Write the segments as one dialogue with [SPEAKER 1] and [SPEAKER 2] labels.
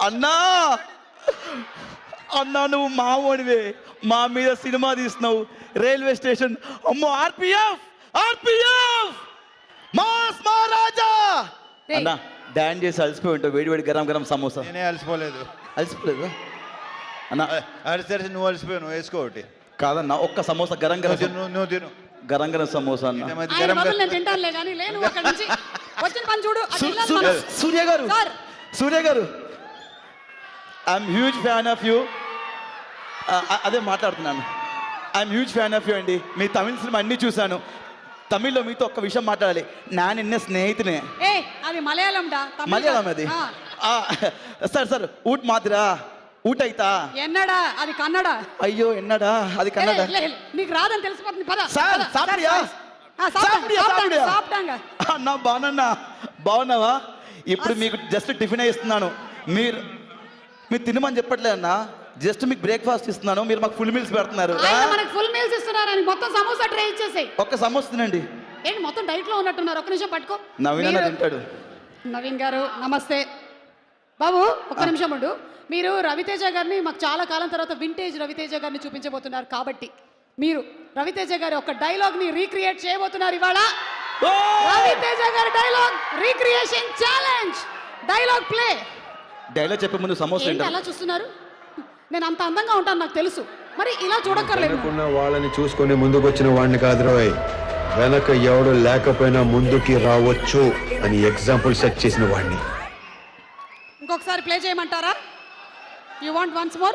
[SPEAKER 1] అన్నా అన్నా నువ్వు మావోడివే, మా మీద సినిమా తీస్తున్నావు. రైల్వే స్టేషన్ అమ్మో ఆర్పిఎఫ్ ఆర్పిఎఫ్ మాస్ మహారాజా అన్నా డాన్స్ చేసి అలసిపోయి ఉంటావు. వేడి వేడి గరం గరం సమోసా.
[SPEAKER 2] నేనే అలసిపోలేదు.
[SPEAKER 1] అలసిపోలేదు అన్నా?
[SPEAKER 2] అలసి నువ్వు అలసిపోయావు, నువ్వు వేసుకో ఒకటి.
[SPEAKER 1] కాదన్నా ఒక్క సమోసా గరం గరం
[SPEAKER 2] నువ్వు తిను.
[SPEAKER 1] గరం గరం సమోసా అన్న. సూర్య గారు సూర్య గారు I'm huge fan of you. అదే మాట్లాడుతున్నాను. I'm huge fan of you అండి. మీ తమిళ సినిమా అన్నీ చూశాను. తమిళ్లో మీతో ఒక్క విషయం మాట్లాడాలి. నా నిన్న స్నేహితునే.
[SPEAKER 3] అది మలయాళం
[SPEAKER 1] మలయాళం అది. సార్ సార్ ఊట్ మాదిరా ఊట అయితా
[SPEAKER 3] ఎన్నడా అది కన్నడ.
[SPEAKER 1] అయ్యో ఎన్నడా అది కన్నడ.
[SPEAKER 3] నీకు రాదని తెలిసిపోతుంది పద.
[SPEAKER 1] సార్ సాపిడియా అన్నా బాగున్నా బాగున్నావా? ఇప్పుడు మీకు జస్ట్ టిఫిన్ ఇస్తున్నాను. మీరు తినమని చెప్పట్లే అన్నా, జస్ట్ మీకు బ్రేక్ఫాస్ట్ ఇస్తున్నాను. మీరు మాకు ఫుల్ మీల్స్ పెడుతున్నారు.
[SPEAKER 3] ఫుల్ మీల్స్ ఇస్తున్నారని మొత్తం సమోసా ట్రై ఇచ్చేసాయి.
[SPEAKER 1] ఒక్క సమోసా తినండి.
[SPEAKER 3] ఏంటి మొత్తం డైట్ లో ఉన్నట్టున్నారు. ఒక్క నిమిషం పట్టుకో.
[SPEAKER 1] నవీన్ తింటాడు.
[SPEAKER 3] నవీన్ గారు నమస్తే. బాబు ఒక్క నిమిషం ఉండు. మీరు రవితేజ గారిని మాకు చాలా కాలం తర్వాత వింటేజ్ రవితేజ గారిని చూపించబోతున్నారు కాబట్టి మీరు రవితేజ గారి ఒక డైలాగ్ ని రీక్రియేట్ చేయబోతున్నారు ఇవాళ. రవితేజ గారి dialogue recreation challenge. Dialogue play.
[SPEAKER 1] Dialogue చెప్పే ముందు సమోసా
[SPEAKER 3] ఏంటి అలా చూస్తున్నారు? నేను అంత అందంగా ఉంటాను నాకు తెలుసు, మరి ఇలా చూడక్కర్లేదు.
[SPEAKER 4] వాళ్ళని చూసుకొని ముందుకు వచ్చిన వాడిని కాదు రోయ్, వెనక ఎవడు లేకపోయినా ముందుకి రావచ్చు అని ఎగ్జాంపుల్ సెట్ చేసిన వాడిని.
[SPEAKER 3] ఇంకొకసారి ప్లే చేయమంటారా? You want once more?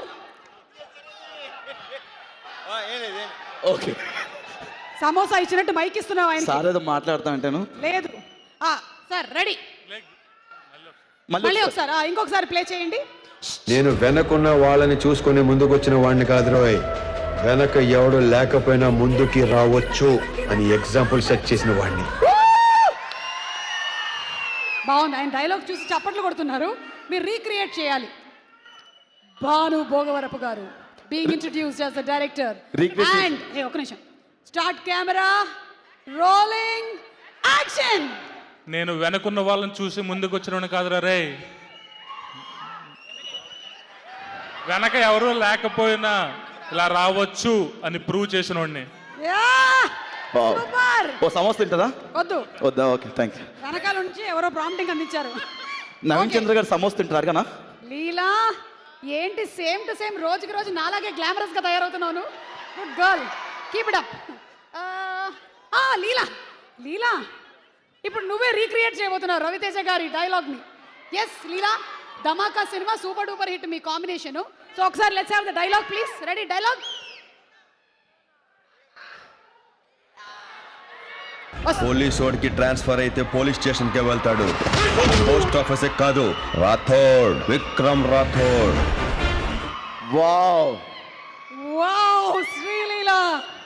[SPEAKER 1] Okay.
[SPEAKER 3] Samosa ఇచ్చినట్టు మైక్ ఇస్తున్నావు ఆయన.
[SPEAKER 1] సార్ ఏదో మాట్లాడుతా అంటాను.
[SPEAKER 3] లేదు సార్ రెడీ. మళ్ళీ ఒకసారి ఇంకొకసారి ప్లే చేయండి.
[SPEAKER 4] నేను వెనకున్న వాళ్ళని చూసుకొని ముందుకు వచ్చిన వాడిని కాదు రోయ్, వెనక ఎవడు లేకపోయినా ముందుకి రావచ్చు అని ఎగ్జాంపుల్ సెట్ చేసిన వాడిని.
[SPEAKER 3] బాగుంది. ఆయన డైలాగ్ చూసి చప్పట్లు కొడుతున్నారు. మీరు రీక్రియేట్ చేయాలి. భాను భోగవరపు గారు being introduced as the director and ఒక నిమిషం స్టార్ట్ కెమెరా రోలింగ్ యాక్షన్.
[SPEAKER 5] నేను వెనకున్న వాళ్ళని చూసి ముందుకు వచ్చినవాడిని కాదురా రే, వెనక ఎవరు లేకపోయినా ఇలా రావచ్చు అని ప్రూవ్ చేసిన వాడిని.
[SPEAKER 1] ఓ సమోసా తింటారా?
[SPEAKER 3] వద్దు
[SPEAKER 1] వద్దా? Okay thank you.
[SPEAKER 3] వెనకాల నుంచి ఎవరో ప్రాంప్టింగ్ అందించారు.
[SPEAKER 1] నవీన్ చంద్ర గారు సమోసా తింటారు కదా?
[SPEAKER 3] లీలా ఏంటి సేమ్ టు సేమ్ రోజుకి రోజు నాలాగే గ్లామరస్ గా తయారవుతున్నాను. Good girl, keep it up. Leela Leela ఇప్పుడు నువ్వే రీక్రియేట్ చేయబోతున్నావు రవితేజ గారి డైలాగ్ ని. Yes Leela, Dhamaka cinema super duper hit మీ కాంబినేషన్. సో ఒకసారి let's have the dialogue please. Ready? Dialogue
[SPEAKER 4] police వాడికి ట్రాన్స్ఫర్ అయితే పోలీస్ స్టేషన్ కే వెళ్తాడు, పోస్ట్ ఆఫీస్ కాదు. Rathod, Vikram Rathod.
[SPEAKER 1] Wow
[SPEAKER 3] wow Sreeleela.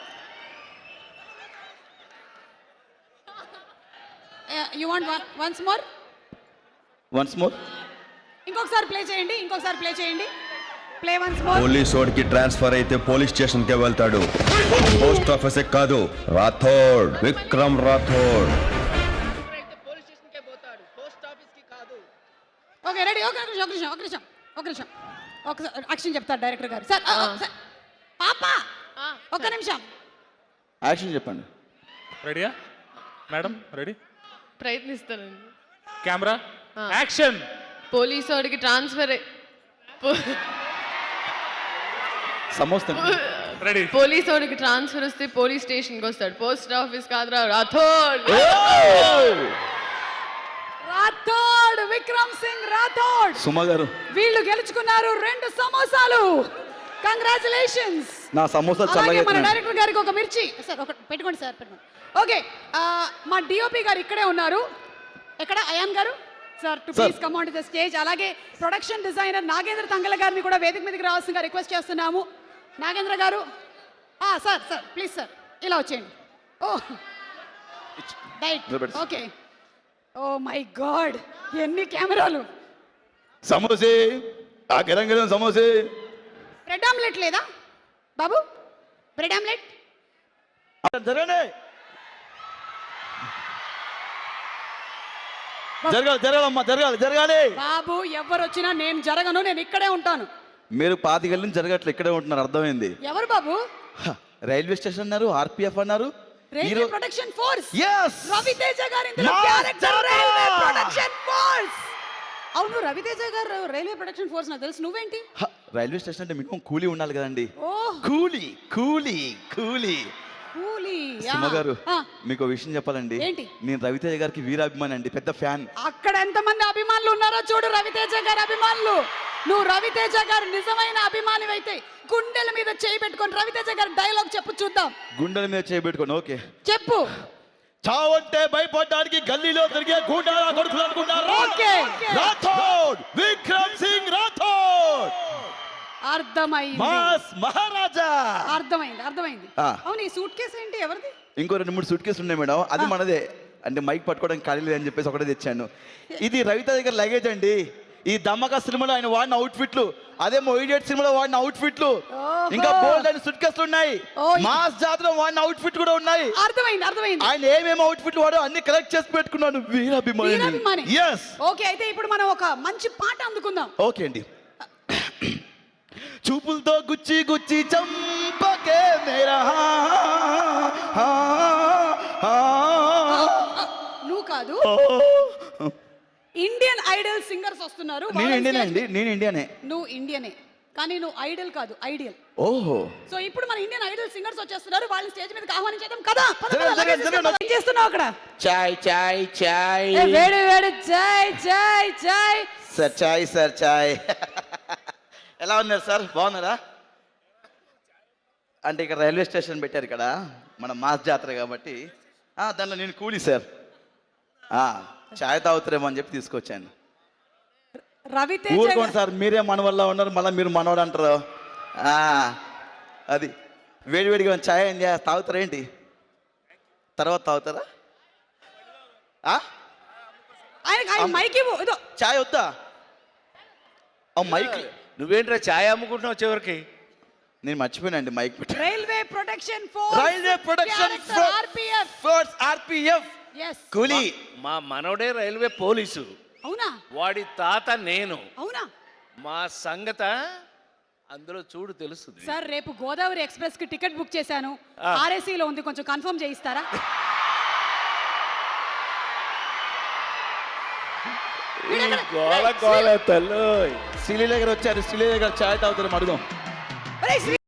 [SPEAKER 3] You want once more?
[SPEAKER 1] Once more.
[SPEAKER 3] ఇంకొకసారి ప్లే చేయండి. ఇంకొకసారి ప్లే చేయండి. Play once more.
[SPEAKER 4] పోలీస్ వాడికి ట్రాన్స్ఫర్ అయితే పోలీస్ స్టేషన్ కే వెళ్తాడు, పోస్ట్ ఆఫీస్ కాదు. రాథోడ్, విక్రమ్ రాథోడ్.
[SPEAKER 3] Okay ready. ఒక నిమిషం ఒకసారి యాక్షన్ చెప్తారు డైరెక్టర్ గారు. సార్ పాప ఒక్క నిమిషం
[SPEAKER 1] యాక్షన్ చెప్పండి.
[SPEAKER 5] రెడీయా మేడం? రెడీ?
[SPEAKER 6] ప్రయత్నిస్తానండి.
[SPEAKER 5] Camera action.
[SPEAKER 6] పోలీసు వాడికి ట్రాన్స్ఫర్
[SPEAKER 1] సమోసా
[SPEAKER 5] రెడీ.
[SPEAKER 6] పోలీసు వాడికి ట్రాన్స్ఫర్ వస్తే పోలీస్ స్టేషన్కి వస్తాడు, పోస్ట్ ఆఫీస్ కాదురా. రాథోడ్.
[SPEAKER 3] రాథోడ్, విక్రమ్ సింగ్ రాథోడ్.
[SPEAKER 1] సుమ గారు
[SPEAKER 3] వీళ్ళు గెలుచుకున్నారు 2 సమోసాలు. కంగ్రాచులేషన్స్.
[SPEAKER 1] నా సమోసా చల్లగా.
[SPEAKER 3] మన డైరెక్టర్ గారికి ఒక మిర్చి సార్ ఒకటి పెట్టుకోండి సార్, పెట్టుకోండి. ఓకే మా డిఓపి గారు ఇక్కడే ఉన్నారు. ఎక్కడ అయాన్ గారు? Sir too please come on to the stage. అలాగే ప్రొడక్షన్ డిజైనర్ నాగేంద్ర తంగల గారిని కూడా వేదిక మీదకి రావాల్సిందిగా రిక్వెస్ట్ చేస్తున్నాము. నాగేంద్ర గారు సార్ ప్లీజ్ సార్ ఇలా వచ్చేయండి. Right okay. Oh my god ఎన్ని కెమెరాలు.
[SPEAKER 1] సమోసే ఆ గరం సమోసే.
[SPEAKER 3] బ్రెడ్ ఆమ్లెట్ లేదా బాబు? బ్రెడ్ ఆమ్లెట్
[SPEAKER 1] జరగండి. జరగాలి జరగాలమ్మా జరగాలి
[SPEAKER 3] బాబు ఎవరు వచ్చినా నేను జరగను, నేను ఇక్కడే ఉంటాను.
[SPEAKER 1] మీరు పాతికేళ్ళ నుంచి జరగట్లే, ఇక్కడే ఉంటున్నారు, అర్థమైంది.
[SPEAKER 3] ఎవరు బాబు?
[SPEAKER 1] రైల్వే స్టేషన్ అన్నారు, ఆర్పిఎఫ్ అన్నారు.
[SPEAKER 3] Railway protection force.
[SPEAKER 1] Yes!
[SPEAKER 3] Ravi Teja గారు ఇందులో
[SPEAKER 1] Master!
[SPEAKER 3] Character railway protection force. అవును, రవితేజ గారు రైల్వే ప్రొటెక్షన్ ఫోర్స్ నాకు తెలుసు. నువ్వేంటి?
[SPEAKER 1] రైల్వే స్టేషన్ అంటే మినిమం కూలీ ఉండాలి కదండి.
[SPEAKER 3] ఓహ్,
[SPEAKER 1] కూలీ
[SPEAKER 3] కూలీ.
[SPEAKER 1] సింహ గారు, మీకు విషయం చెప్పాలండి.
[SPEAKER 3] ఏంటి?
[SPEAKER 1] నేను రవితేజ గారికి వీరాభిమాని అండి, పెద్ద ఫ్యాన్.
[SPEAKER 3] అక్కడ ఎంతమంది అభిమానులు ఉన్నారో చూడు, రవితేజ గారి అభిమానులు. నువ్వు రవితేజ గారు నిజమైన అభిమానివైతే గుండెల మీద చేయి పెట్టుకొని రవితేజ గారి డైలాగ్ చెప్పు చూద్దాం.
[SPEAKER 1] గుండెల మీద చేయబెట్టుకోండి. ఓకే,
[SPEAKER 3] చెప్పు.
[SPEAKER 1] చావంటే భయపడడానికి గల్లీలో తిరిగే గూండాల కొడుకులు అనుకున్నారు.
[SPEAKER 3] ఓకే.
[SPEAKER 1] రాథోడ్, విక్రమ్ సింగ్ రాథోడ్,
[SPEAKER 3] అర్థమైంది
[SPEAKER 1] మాస్ మహారాజా.
[SPEAKER 3] అర్థమైంది.
[SPEAKER 1] ఆ.
[SPEAKER 3] అవును, ఈ సూట్ కేసు ఏంటి, ఎవరిది?
[SPEAKER 1] ఇంకో 2-3 సూట్ కేసులు ఉన్నాయి మేడం, అది మనదే. అంటే మైక్ పట్టుకోవడానికి ఖాళీ లేదని చెప్పేసి ఒకటే తెచ్చాను. ఇది రవితేజ దగ్గర లగేజ్ అండి. ఈ దమ్మక సినిమాలో ఆయన వాడిన అవుట్ఫిట్లు, అదేమో ఇడియట్ సినిమాలో వాడిన అవుట్ఫిట్లు, ఇంకా బోల్డ్ అని సూట్ కేసులు ఉన్నాయి. మాస్ జాతర వాడిన అవుట్ఫిట్ కూడా ఉన్నాయి.
[SPEAKER 3] అర్థమైంది.
[SPEAKER 1] ఆయన ఏమేమి అవుట్ఫిట్లు వాడో అన్ని కలెక్ట్ చేసి పెట్టుకున్నాను. వీరాభిమాని. ఎస్.
[SPEAKER 3] ఓకే, అయితే ఇప్పుడు మనం ఒక మంచి పాట అందుకుందాం.
[SPEAKER 1] ఓకే అండి. చూపులతో గుచ్చి చంపకే మేరా
[SPEAKER 3] నువ్వు కాదు, ఇండియన్ ఐడల్ సింగర్స్ వస్తున్నారు.
[SPEAKER 1] నేను ఇండియనే అండి, నేను ఇండియనే.
[SPEAKER 3] నువ్వు ఇండియనే కానీ నువ్వు ఐడల్ కాదు, ఐడియల్.
[SPEAKER 1] ఓహో.
[SPEAKER 3] సో ఇప్పుడు మన ఇండియన్ ఐడల్ సింగర్స్ వచ్చేస్తున్నారు, వాళ్ళని స్టేజ్ మీదకి ఆహ్వానించేద్దాం కదా.
[SPEAKER 1] జరగండి.
[SPEAKER 3] ఏం చేస్తున్నావు అక్కడ?
[SPEAKER 1] చాయ్
[SPEAKER 3] వేడి చాయ్.
[SPEAKER 1] సార్ చాయ్. ఎలా ఉన్నారు సార్, బాగున్నారా? అంటే ఇక్కడ రైల్వే స్టేషన్ పెట్టారు ఇక్కడ, మన మాస్ జాతర కాబట్టి. దానిలో నేను కూలీ సార్. చాయ్ తాగుతారేమో అని చెప్పి తీసుకొచ్చాను.
[SPEAKER 3] రవితేజ
[SPEAKER 1] ఊరుకోండి సార్, మీరే మన వల్ల ఉన్నారు, మళ్ళీ మీరు మనవాడు అంటారు. అది వేడివేడిగా చాయ్ అయింది, తాగుతారేంటి? తర్వాత తాగుతారా?
[SPEAKER 3] ఆయన మైక్ ఇవ్వు. ఇదో
[SPEAKER 1] చాయ్ వద్దా? మైక్
[SPEAKER 2] నువ్వేంట్రా ఛాయ్ అమ్ముకుంటున్నావు చివరికి?
[SPEAKER 1] నేను మర్చిపోయానండి మైక్ పెట్టి.
[SPEAKER 3] Railway protection force
[SPEAKER 1] RPF
[SPEAKER 3] yes
[SPEAKER 1] coolie.
[SPEAKER 7] మా మనవడే రైల్వే పోలీసు,
[SPEAKER 3] అవునా?
[SPEAKER 7] వాడి తాత నేను.
[SPEAKER 3] అవునా
[SPEAKER 7] మా సంగత అందులో చూడు తెలుస్తుంది.
[SPEAKER 3] సార్, రేపు గోదావరి ఎక్స్ప్రెస్ కి టికెట్ బుక్ చేశాను, ఆర్ఎసీలో ఉంది, కొంచెం కన్ఫర్మ్ చేయిస్తారా?
[SPEAKER 7] గోల తల్లు
[SPEAKER 1] శ్రీలీల గారు వచ్చారు, శ్రీలీల గారు చాయ్ తాగుతారు అడుగుదాం.